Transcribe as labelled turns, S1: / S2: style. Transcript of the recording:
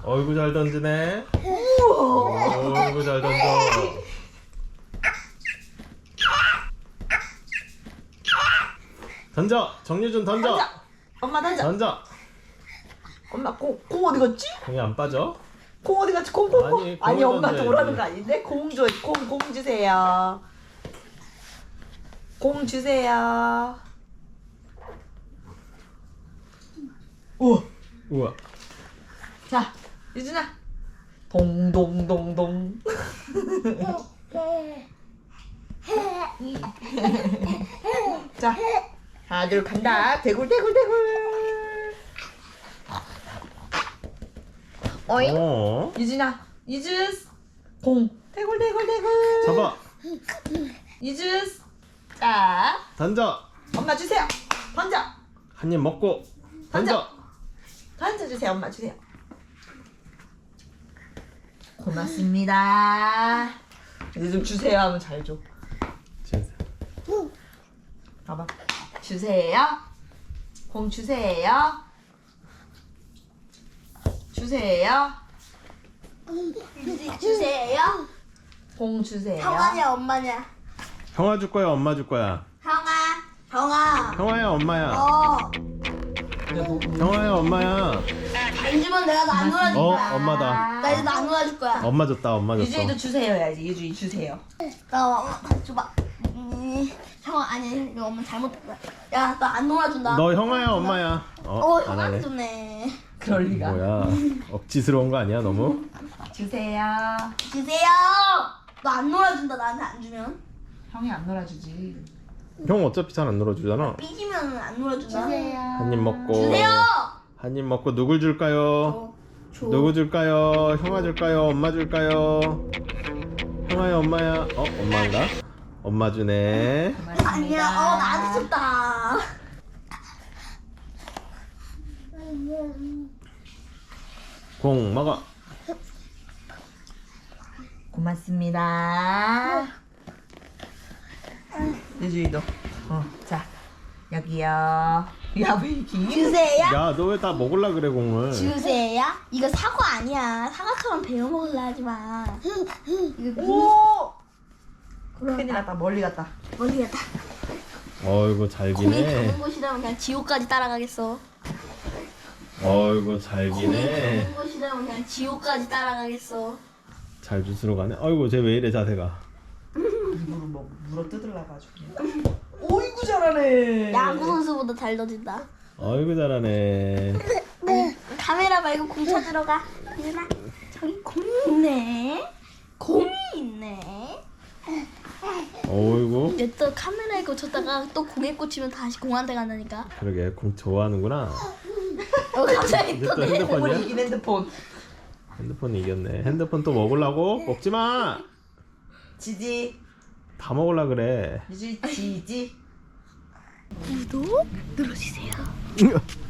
S1: 어이구 잘 던지네. 어이구 잘 던져. 던져. 정유준 던져.
S2: 던져. 엄마 던져.
S1: 던져.
S2: 엄마 공 어디 갔지?
S1: 공이 안 빠져?
S2: 공 어디 갔지? 공.
S1: 아니,
S2: 아니
S1: 공을
S2: 엄마한테
S1: 던져야지.
S2: 오라는 거 아닌데? 공 주세요. 공 주세요. 우와.
S1: 우와.
S2: 자, 유준아. 동동동동. 자, 하나 둘 간다. 대굴대굴대굴. 어잉?
S1: 어.
S2: 유준아, 유준. 공. 대굴대굴대굴.
S1: 잡아.
S2: 유준. 자,
S1: 던져.
S2: 엄마 주세요. 던져.
S1: 한 입 먹고 던져.
S2: 던져주세요. 엄마 주세요. 고맙습니다. 이제 좀 주세요 하면 잘 줘. 봐봐. 주세요. 공 주세요. 주세요.
S3: 주세요.
S2: 공 주세요.
S3: 형아냐 엄마냐?
S1: 형아 줄 거야, 엄마 줄 거야?
S3: 형아.
S1: 형아야, 엄마야. 형아야, 엄마야.
S3: 안 주면 내가 안 놀아줄
S1: 어,
S3: 거야.
S1: 엄마다.
S3: 나 이제 안 놀아줄 거야.
S1: 엄마 줬다, 엄마 줬어.
S2: 유주이도 주세요 해야지. 유주이 주세요.
S3: 나 엄마 줘봐. 형아 아니 이거 엄마 잘못했다. 야 나 안 놀아준다.
S1: 너 형아야, 엄마야? 안
S3: 형아
S1: 하네.
S3: 주네.
S2: 그럴 리가.
S1: 뭐야? 억지스러운 거 아니야, 너무?
S2: 주세요.
S3: 주세요. 너 안 놀아준다 나한테 안 주면.
S2: 형이 안 놀아주지.
S1: 형 어차피 잘 안 놀아주잖아.
S3: 삐지면 안 놀아준다.
S1: 한 입 먹고.
S3: 주세요.
S1: 한 입 먹고 누굴 줄까요?
S3: 줘.
S1: 누구 줄까요? 형아 줄까요? 엄마 줄까요? 형아야, 엄마야? 엄마인가? 엄마 주네.
S3: 아니야. 나한테 줬다.
S1: 공 먹어.
S2: 고맙습니다. 유주이도. 자 여기요. 야 왜 이렇게
S3: 주세요.
S1: 야, 너 왜 다 먹을라 그래, 공을?
S3: 주세요. 이거 사과 아니야. 사과처럼 베어 먹으려 하지 마. 이거
S2: 오!
S3: 그럼
S2: 큰일 났다. 멀리 갔다.
S3: 멀리 갔다.
S1: 어이구, 잘
S3: 공이
S1: 기네.
S3: 가는 곳이라면 그냥 지옥까지 따라가겠어.
S1: 어이구, 잘
S3: 공이
S1: 기네.
S3: 가는 곳이라면 그냥 지옥까지 따라가겠어.
S1: 잘 주스러 가네. 어이구, 쟤 왜 이래, 자세가.
S2: 입으로 뭐 물어 뜯으려가지고. 오이구 잘하네.
S3: 야구 선수보다 잘 던진다.
S1: 어이구, 잘하네.
S3: 카메라 말고 공 찾으러 가. 유나 저기 공이 있네. 공이 있네.
S1: 어이구.
S3: 이제 또 카메라에 꽂혔다가 또 공에 꽂히면 다시 공한테 간다니까.
S1: 그러게, 공 좋아하는구나.
S3: 갑자기
S1: 이제
S3: 또
S1: 또
S3: 내.
S2: 핸드폰
S1: 핸드폰이야?
S2: 이긴 핸드폰.
S1: 핸드폰 이겼네. 핸드폰 또 먹으려고? 먹지 마!
S2: 지지.
S1: 다 먹으려 그래.
S2: 유주이 지지.
S3: 구독 눌러주세요.